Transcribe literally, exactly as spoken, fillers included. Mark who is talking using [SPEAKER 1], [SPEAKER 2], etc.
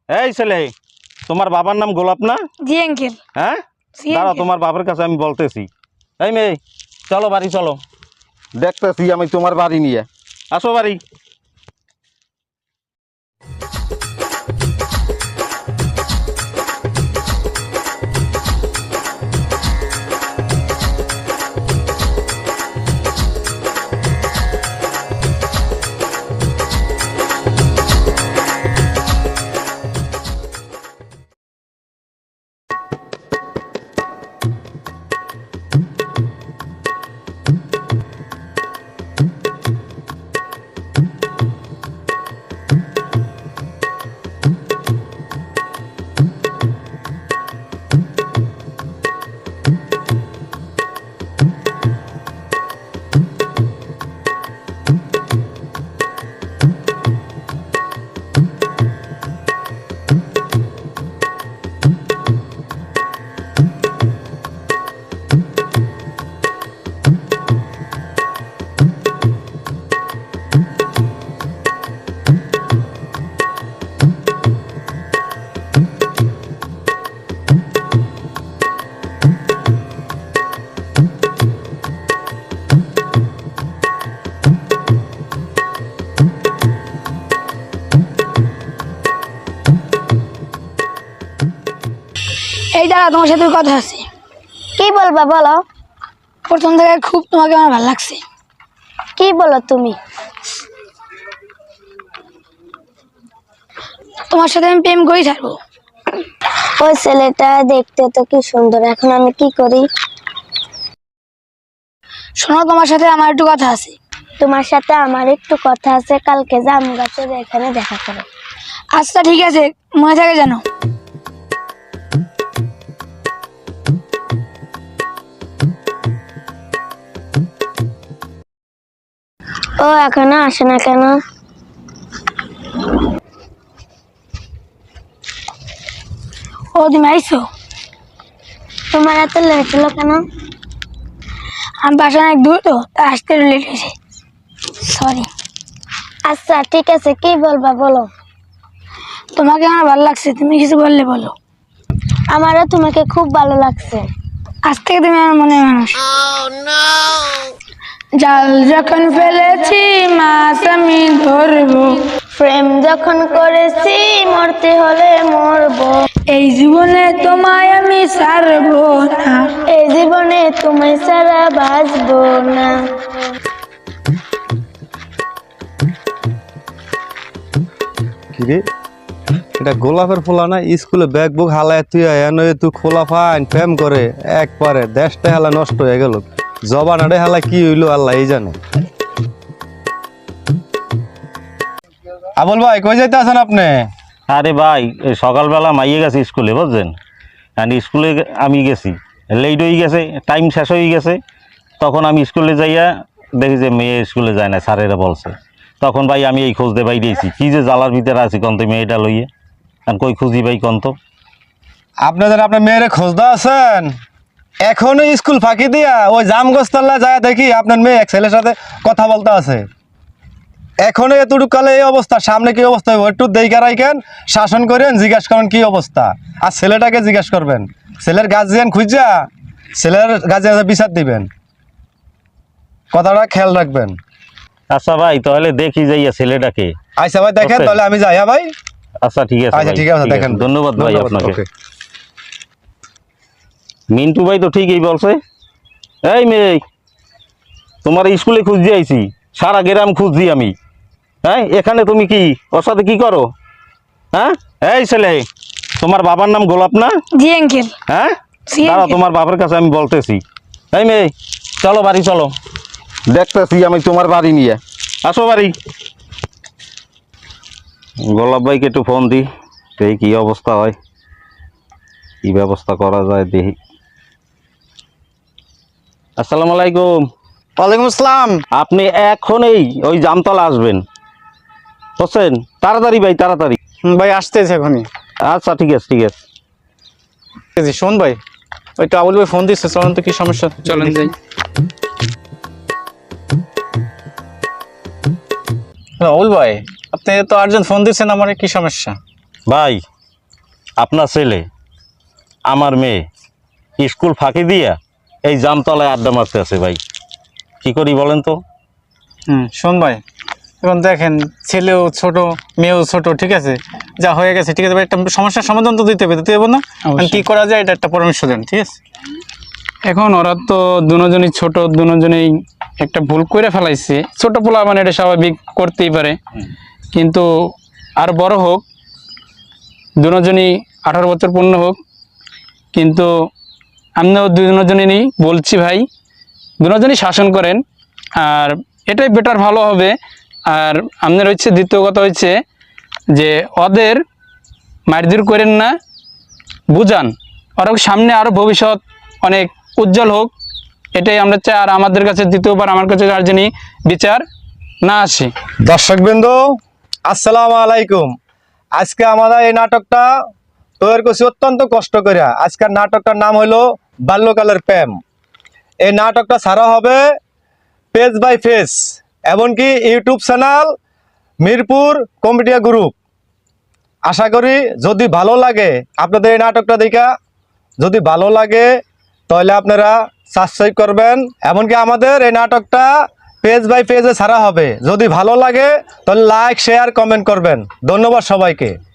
[SPEAKER 1] এই ছেলে, তোমার বাবার নাম গোলাপ না?
[SPEAKER 2] জি আঙ্কেল।
[SPEAKER 1] হ্যাঁ, দাঁড়াও, তোমার বাবার কাছে আমি বলতেছি। এই মেয়ে, চলো বাড়ি চলো, দেখতেছি আমি তোমার বাড়ি নিয়ে। আসো বাড়ি।
[SPEAKER 2] এই দাঁড়া, তোমার সাথে কথা আছে।
[SPEAKER 3] কি বলবা বলো।
[SPEAKER 2] প্রথম থেকে খুব তোমাকে আমার ভালো লাগছে।
[SPEAKER 3] কি বলো তুমি?
[SPEAKER 2] তোমার সাথে আমি প্রেম করেই ছাড়বো।
[SPEAKER 3] ওই ছেলেটা দেখতে তো কি সুন্দর, এখন আমি কি করি?
[SPEAKER 2] শোনো, তোমার সাথে আমার একটু কথা আছে।
[SPEAKER 3] তোমার সাথে আমার একটু কথা আছে, কালকে জাম গাছের এখানে দেখা করো।
[SPEAKER 2] আচ্ছা ঠিক আছে, মনে থাকে যেন।
[SPEAKER 3] ও এখনো আসে না কেন?
[SPEAKER 2] ও তুমি আইসো?
[SPEAKER 3] তোমার এত লেট হলো কেন?
[SPEAKER 2] আমি বাসা অনেক দূর তো, তাই আসতে লেট হয়েছে, সরি।
[SPEAKER 3] আচ্ছা ঠিক আছে, কি বলবা বলো।
[SPEAKER 2] তোমাকে আমার ভালো লাগছে, তুমি কিছু বললে বলো।
[SPEAKER 3] আমারও তোমাকে খুব ভালো লাগছে।
[SPEAKER 2] আজ থেকে তুমি আমার মনে মানুষ। জাল যখন ফেলেছি মাছ আমি ধরবো,
[SPEAKER 3] প্রেম যখন করেছি মরতে হলে মরবো।
[SPEAKER 2] এই জীবনে তোমায় আমি ছাড়বো না,
[SPEAKER 3] এই জীবনে তুমি ছাড়া বাঁচবো না।
[SPEAKER 4] কিরে, এটা গোলাপের ফোলা না? স্কুলে ব্যাগ বুক হালায় তুই এনে তুই খোলা ফাইন প্রেম করে একবারে দেশটা হেলা নষ্ট হয়ে গেল। জবানারে হেলা কি হইলো আল্লাহ এই জানে। আবুল ভাই, কই যাইতে আছেন আপনি?
[SPEAKER 1] আরে ভাই, এই সকালবেলা মাইয়ে গেছে স্কুলে, বুঝছেন? আর স্কুলে আমি গেছি, লেট হয়ে গেছে, টাইম শেষ হয়ে গেছে। তখন আমি স্কুলে যাইয়া দেখি যে মেয়ে স্কুলে যায় না, স্যারেরা বলছে। তখন ভাই আমি এই খোঁজ দে ভাই দিয়েছি, কি যে জ্বালার ভিতরে আছি কন্ত মেয়েটা লইয়ে। আর কই খুঁজি ভাই কন্ত?
[SPEAKER 4] আপনাদের আপনার মেয়েরে খোঁজদা আছেন? এখনো স্কুল ফাঁকি দিয়া ওই জামগোস্তলা যায় দেখি আপনার মেয়ে এক ছেলের সাথে কথা বলতে আছে। এখনো এতটুকু কালে এই অবস্থা, সামনে কি অবস্থা হইব একটু দেইকা রাখেন, শাসন করেন, জিজ্ঞাসা করেন কি অবস্থা। আর ছেলেটাকে জিজ্ঞাসা করবেন, ছেলের গার্জিয়ান খুঁজা ছেলের গার্জিয়ান বিচার দিবেন, কথাটা খেয়াল রাখবেন।
[SPEAKER 1] আচ্ছা ভাই, তাহলে দেখি যাইয়া ছেলেটাকে।
[SPEAKER 4] আচ্ছা ভাই দেখেন, তাহলে আমি যাই। হ্যাঁ ভাই,
[SPEAKER 1] আচ্ছা ঠিক আছে।
[SPEAKER 4] আচ্ছা
[SPEAKER 1] ভাই,
[SPEAKER 4] ঠিক আছে, দেখেন।
[SPEAKER 1] ধন্যবাদ ভাই আপনাকে।
[SPEAKER 4] ওকে।
[SPEAKER 1] মিন্টু ভাই তো ঠিকই বলছে। এই মেয়ে, তোমার স্কুলে খুঁজছি আইছি, সারা গ্রাম খুঁজছি আমি। হ্যাঁ, এখানে তুমি কি ওর সাথে কি করো? হ্যাঁ, এই ছেলে, তোমার বাবার নাম গোলাপ না?
[SPEAKER 2] জি আঙ্কেল।
[SPEAKER 1] হ্যাঁ,
[SPEAKER 2] জি
[SPEAKER 1] দাঁড়াও,
[SPEAKER 2] আঙ্কেল।
[SPEAKER 1] তোমার বাবার কাছে আমি বলতেছি। এই মেয়ে, চলো বাড়ি চলো, দেখতেছি আমি তোমার বাড়ি নিয়ে। আসো বাড়ি। গোলাপ ভাইকে একটু ফোন দিই, দেখি কি অবস্থা হয়, কি ব্যবস্থা করা যায় দেখি। আসসালামু আলাইকুম।
[SPEAKER 5] ওয়ালাইকুম আসসালাম।
[SPEAKER 1] আপনি এখনই ওই জামতলা আসবেন, বুঝছেন? তাড়াতাড়ি ভাই, তাড়াতাড়ি।
[SPEAKER 5] হুম, ভাই আসতেছে এখনই।
[SPEAKER 1] আচ্ছা ঠিক আছে, ঠিক আছে।
[SPEAKER 5] এই যে শোন ভাই, ওই তো আবুল ভাই ফোন দিচ্ছে, চলেন তো কি সমস্যা, চলেন যাই। হ্যালো আবুল ভাই, আপনি তো আর্জেন্ট ফোন দিচ্ছেন, আমার কি সমস্যা?
[SPEAKER 1] ভাই, আপনার ছেলে আমার মেয়ে স্কুল ফাঁকি দিয়া এই জামতলায় আড্ডা মারতে আছে ভাই, কি করি বলেন তো?
[SPEAKER 5] হুম শোন ভাই, এখন দেখেন ছেলেও ছোট মেয়েও ছোট, ঠিক আছে, যা হয়ে গেছে ঠিক আছে ভাই, একটা সমস্যার সমাধান তো দিতে হবে, দিতে হবে না?
[SPEAKER 6] অবশ্যই।
[SPEAKER 5] কি করা যায় এটা একটা পরামর্শ দেন, ঠিক আছে?
[SPEAKER 6] এখন ওরা তো দুজনই ছোট, দুজনেই একটা ভুল করে ফেলাইছে, ছোট পোলা মানে এটা স্বাভাবিক, করতেই পারে, কিন্তু আর বড় হোক, দুজনই আঠারো বছর পূর্ণ হোক, কিন্তু আমিও দুজনেরই বলছি ভাই, দুজনই শাসন করেন, আর এটাই বেটার ভালো হবে। আর আপনার হচ্ছে দ্বিতীয় কথা হচ্ছে যে ওদের মারধর করেন না, বুঝান, ওরা সামনে আরও ভবিষ্যৎ অনেক উজ্জ্বল হোক, এটাই আমরা চাই। আর আমাদের কাছে দ্বিতীয়বার আমার কাছে আর যিনি বিচার না আসে।
[SPEAKER 4] দর্শকবৃন্দ আসসালামু আলাইকুম। আজকে আমাদের এই নাটকটা তৈরি করছি অত্যন্ত কষ্ট করে। আজকের নাটকটার নাম হলো বাল্যকালের প্রেম। এই নাটকটা ছাড়া হবে পেজ বাই পেজ, এমনকি ইউটিউব চ্যানেল মিরপুর কমেডিয়া গ্রুপ। আশা করি যদি ভালো লাগে আপনাদের এই নাটকটা দেখা, যদি ভালো লাগে তাহলে আপনারা সাবস্ক্রাইব করবেন। এমনকি আমাদের এই নাটকটা পেজ বাই পেজে ছাড়া হবে, যদি ভালো লাগে তাহলে লাইক শেয়ার কমেন্ট করবেন। ধন্যবাদ সবাইকে।